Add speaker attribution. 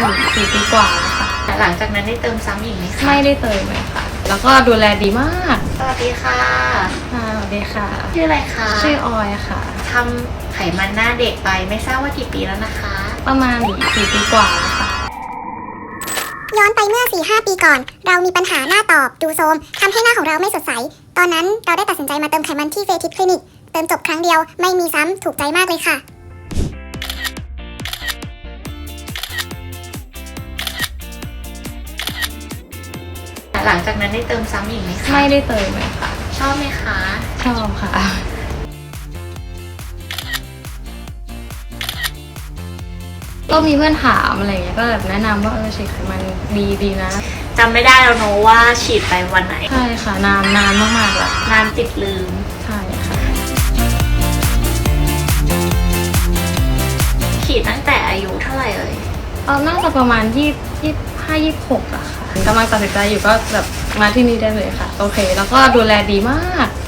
Speaker 1: 4 ปีกว่าแล้วค่ะ
Speaker 2: หลังจากนั้นได้เติมซ้ำอีกไหมคะ
Speaker 1: ไม่ได้เติมเลยค่ะแล้วก็ดูแลดีมาก
Speaker 2: สวัสดีค่ะ
Speaker 1: ค่ะสวัสดีค่ะ
Speaker 2: ชื่ออะไรคะ
Speaker 1: ชื่อออยค่ะ
Speaker 2: ทำไขมันหน้าเด็กไปไม่ทราบว่ากี่ปีแล้วนะคะ
Speaker 1: ประมาณ4 ปีกว่าแล้วค่ะ
Speaker 3: ย้อนไปเมื่อ 4-5 ปีก่อนเรามีปัญหาหน้าตอบดูโทรมทำให้หน้าของเราไม่สดใสตอนนั้นเราได้ตัดสินใจมาเติมไขมันที่เฟทิสคลินิกเติมจบครั้งเดียวไม่มีซ้ำถูกใจมากเลยค่ะ
Speaker 2: หลังจากนั้นได้เติมซ้ำอีกไหมคะ
Speaker 1: ไม่ได้เติมเลยค่ะ
Speaker 2: ชอบไหมคะ
Speaker 1: ชอบค่ะก็มีเพื่อนถามอะไรเงี้ยก็แบบแนะนำว่าฉีดไขมันดีนะ
Speaker 2: จำไม่ได้แล้วเนอะว่าฉีดไปวันไหน
Speaker 1: ใช่ค่ะนานมากๆแล้ว
Speaker 2: นานติดลืม
Speaker 1: ใช่ค่ะ
Speaker 2: ฉีดตั้งแต่อายุเท่าไหร่เอ่ย
Speaker 1: น่าจะประมาณ25-26อะค่ะกำลังตัดสินใจอยู่ก็แบบมาที่นี่ได้เลยค่ะโอเคแล้วก็ดูแลดีมาก